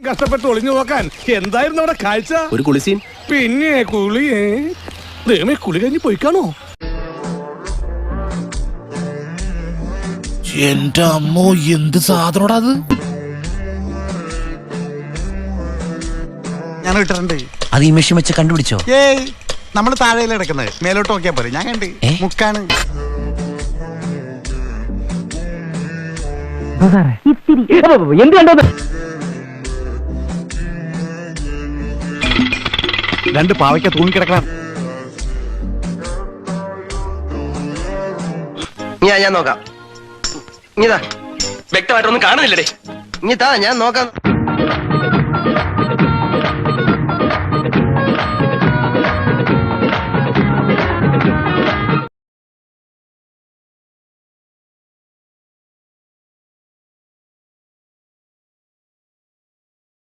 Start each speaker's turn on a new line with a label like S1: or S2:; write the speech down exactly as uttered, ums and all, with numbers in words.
S1: കഷ്ടപ്പെട്ട് ഒളിഞ്ഞു നോക്കാൻ എന്തായിരുന്നു അവിടെ കാഴ്ച?
S2: ഒരു കുളിസീൻ.
S1: പിന്നെ കുളിയേ ദൈവമേ, കുളി കഴിഞ്ഞ് പോയിക്കാണോ?
S3: എന്റെ അമ്മോ, എന്ത് സാധനോടാ അത്?
S4: ഞാൻ ഇട്ടിട്ടുണ്ട്.
S3: അത് ഈ മെഷീൻ വെച്ച് കണ്ടുപിടിച്ചോ?
S4: ഏയ്, നമ്മള് താഴെയിൽ കിടക്കുന്നത്, മേലോട്ട് നോക്കിയാ പോരെ. ഞാൻ കണ്ട് മുക്കാണ്.
S5: എന്ത് കണ്ടത്?
S4: രണ്ട് പാവയ്ക്ക തൂങ്ങിക്കിടക്കണം.
S2: ഞാൻ ഞാൻ നോക്കാം. ഇതാ വ്യക്തമായിട്ടൊന്നും കാണുന്നില്ലടേ. ഇനി താ, ഞാൻ നോക്കാം.